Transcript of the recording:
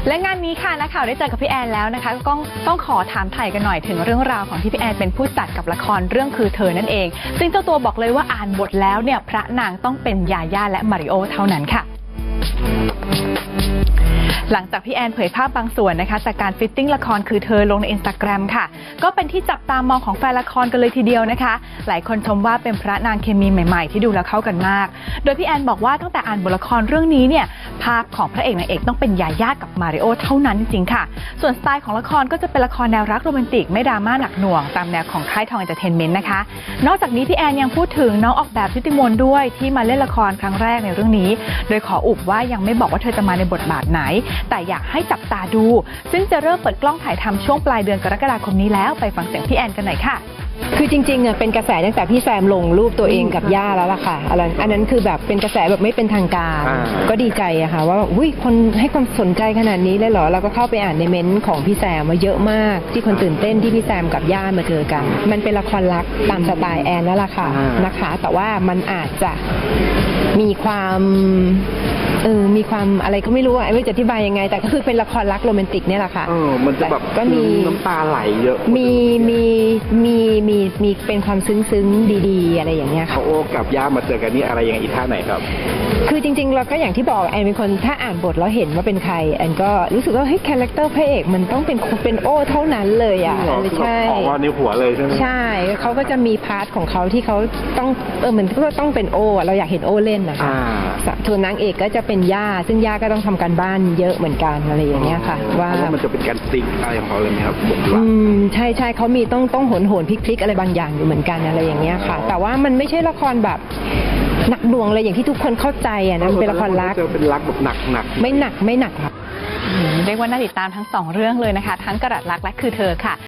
และงานนี้ค่ะนักข่าวได้เจอกับพี่แอนแล้วนะคะก็ต้องขอถามไถ่กันหน่อยถึงเรื่องราวของที่พี่แอนเป็นผู้จัดกับละครเรื่องคือเธอนั่นเองซึ่งเจ้าตัวบอกเลยว่าอ่านบทแล้วเนี่ยพระนางต้องเป็นยาย่าและมาริโอเท่านั้นค่ะหลังจากพี่แอนเผยภาพบางส่วนนะคะจากการฟิตติ้งละครคือเธอลงใน Instagram ค่ะก็เป็นที่จับตามองของแฟนละครกันเลยทีเดียวนะคะหลายคนชมว่าเป็นพระนางเคมีใหม่ๆที่ดูแล้วเข้ากันมากโดยพี่แอนบอกว่าตั้งแต่อ่านบทละครเรื่องนี้เนี่ยภาพของพระเอกนางเอกต้องเป็นยาย่ากับมาริโอเท่านั้นจริงๆค่ะส่วนสไตล์ของละครก็จะเป็นละครแนวรักโรแมนติกไม่ดราม่าหนักหน่วงตามแนวของค่ายทองเอนเตอร์เทนเมนต์นะคะนอกจากนี้พี่แอนยังพูดถึงน้องออกแบบชุติมนต์ด้วยที่มาเล่นละครครั้งแรกในเรื่องนี้โดยขออุบว่ายังไม่บอกว่าเธอจะมาในบทบาทไหนแต่อยากให้จับตาดูซึ่งจะเริ่มเปิดกล้องถ่ายทำช่วงปลายเดือนกรกฎาคมนี้แล้วไปฟังเสียงพี่แอนกันหน่อยค่ะคือจริงๆเป็นกระแสตั้งแต่พี่แซมลงรูปตัวเองกับย่าแล้วล่ะค่ะอันนั้นคือแบบเป็นกระแสแบบไม่เป็นทางการก็ดีใจอะค่ะว่าอุ้ยคนให้ความสนใจขนาดนี้เลยเหรอเราก็เข้าไปอ่านในเม้นต์ของพี่แซมมาเยอะมากที่คนตื่นเต้นที่พี่แซมกับย่ามาเจอกันมันเป็นละครรักตามสไตล์แอนแล้วล่ะค่ะนะคะแต่ว่ามันอาจจะมีความอะไรก็ไม่รู้อะไม่รู้จะอธิบายยังไงแต่ก็คือเป็นละครรักโรแมนติกเนี่ยแหละค่ะมันจะแบบก็มีน้ำตาไหลเยอะมีเป็นความซึ้งดีๆอะไรอย่างเงี้ยค่ะเขาโอ้กับย่ามาเจอกันนี่อะไรยังไงอีท่าไหนครับคือจริงๆเราก็อย่างที่บอกแอนเป็นคนถ้าอ่านบทแล้วเห็นว่าเป็นใครแอนก็รู้สึกว่าเฮ้ยคาแรคเตอร์พระเอกมันต้องเป็นโอ้เท่านั้นเลยอ่ะใช่ออกมาในหัวเลยใช่ไหมใช่เขาก็จะมีพาร์ทของเขาที่เขาต้องเหมือนก็ต้องเป็นโอ้เราอยากเห็นโอ้เล่นนะคะส่วนนางเอกก็จะเป็นย่าซึ่งย่าก็ต้องทำการบ้านเยอะเหมือนกันอะไรอย่างเงี้ยค่ะว่ามันจะเป็นการติ๊กอะไรของเขาเลยไหมครับใช่เขามีต้องโหนพลิกอะไรบางอย่างอยู่เหมือนกันอะไรอย่างเงี้ยค่ะแต่ว่ามันไม่ใช่ละครแบบหนักหน่วงเลยอย่างที่ทุกคนเข้าใจอ่ะนะเป็นละครรักเป็นรักแบบหนักไม่หนักค่ะเรียกว่าน่าติดตามทั้ง2เรื่องเลยนะคะทั้งกระดัดรักและคือเธอค่ะ